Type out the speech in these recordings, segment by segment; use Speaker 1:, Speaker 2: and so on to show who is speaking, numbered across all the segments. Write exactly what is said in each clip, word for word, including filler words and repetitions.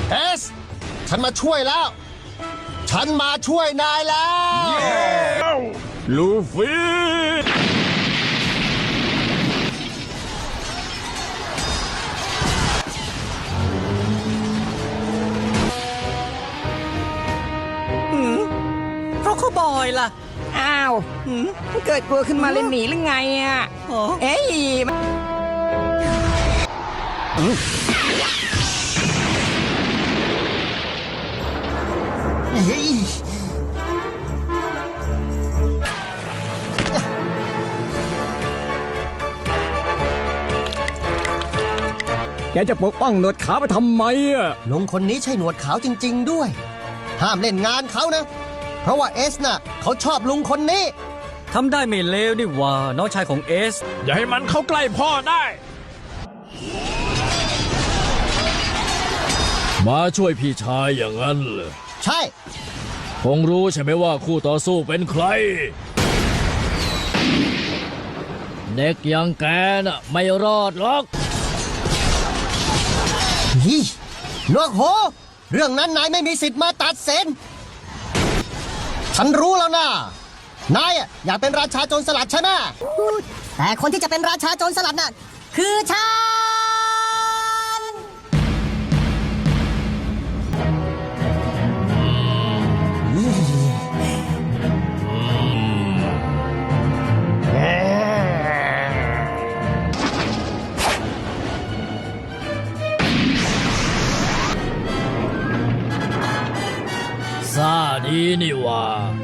Speaker 1: เอสฉันมาช่วยแล้วฉันมาช่วยนายแล้ว
Speaker 2: ลูฟี่
Speaker 3: เพราะเขาบอยล่ะ
Speaker 4: อ้าวเกิดกลัวขึ้นมาเลยหนีหรือไงอ่ะเอ้ยแกจะปกป้องหนวดขาวไปทำไมอ่ะ
Speaker 1: ลุงคนนี้ใช่หนวดขาวจริงๆด้วยห้ามเล่นงานเขานะเพราะว่าเอสน่ะเขาชอบลุงคนนี้
Speaker 3: ทำได้ไม่เลวนี่ว่าน้องชายของเอส
Speaker 2: อย่าให้มันเข้าใกล้พ่อได้มาช่วยพี่ชายอย่างนั้นเหรอ
Speaker 1: ใช่
Speaker 2: คงรู้ใช่ไหมว่าคู่ต่อสู้เป็นใครเด็กอย่างแกน่ะไม่รอดหรอก
Speaker 1: นี่หนวกโหเรื่องนั้นนายไม่มีสิทธิ์มาตัดสินฉันรู้แล้วนะนายอยากเป็นราชาโจรสลัดใช่ไหม
Speaker 4: แต่คนที่จะเป็นราชาโจรสลัดน่ะคือฉัน
Speaker 2: ซาดีนี่ว่า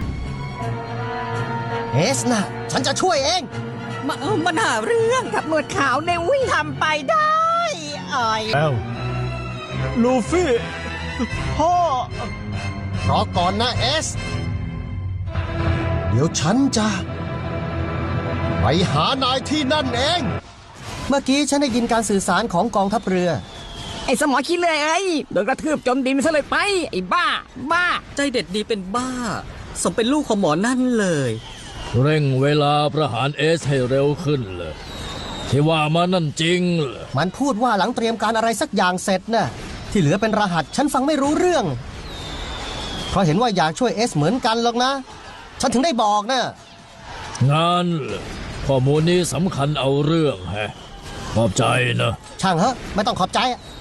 Speaker 1: เอสนะฉันจะช่วยเอง
Speaker 4: มามันหาเรื่องกับหนวดขาวในวิ่งทำไปได้อ้อย
Speaker 2: แล้วลูฟี่พ่อ
Speaker 1: รอก่อนนะเอสเดี๋ยวฉันจะไปหานายที่นั่นเองเมื่อกี้ฉันได้ยินการสื่อสารของกองทัพเรือ
Speaker 4: ไอ้สมอคิดเลยไอ้โดนกระทืบจมดินซะเลยไปไอ้บ้าบ้า
Speaker 3: ใจเด็ดดีเป็นบ้าสมเป็นลูกของหมอนั่นเลย
Speaker 2: เร่งเวลาประหารเอสให้เร็วขึ้นเลยที่ว่ามันนั่นจริงเหรอ
Speaker 1: มันพูดว่าหลังเตรียมการอะไรสักอย่างเสร็จน่ะที่เหลือเป็นรหัสฉันฟังไม่รู้เรื่องเพราะเห็นว่าอยากช่วยเอสเหมือนกันหรอกนะฉันถึงได้บอกนะ
Speaker 2: งานข้อมูลนี้สำคัญเอาเรื่องแฮะขอบใจนะ
Speaker 1: ช่างเหอะไม่ต้องขอบใจ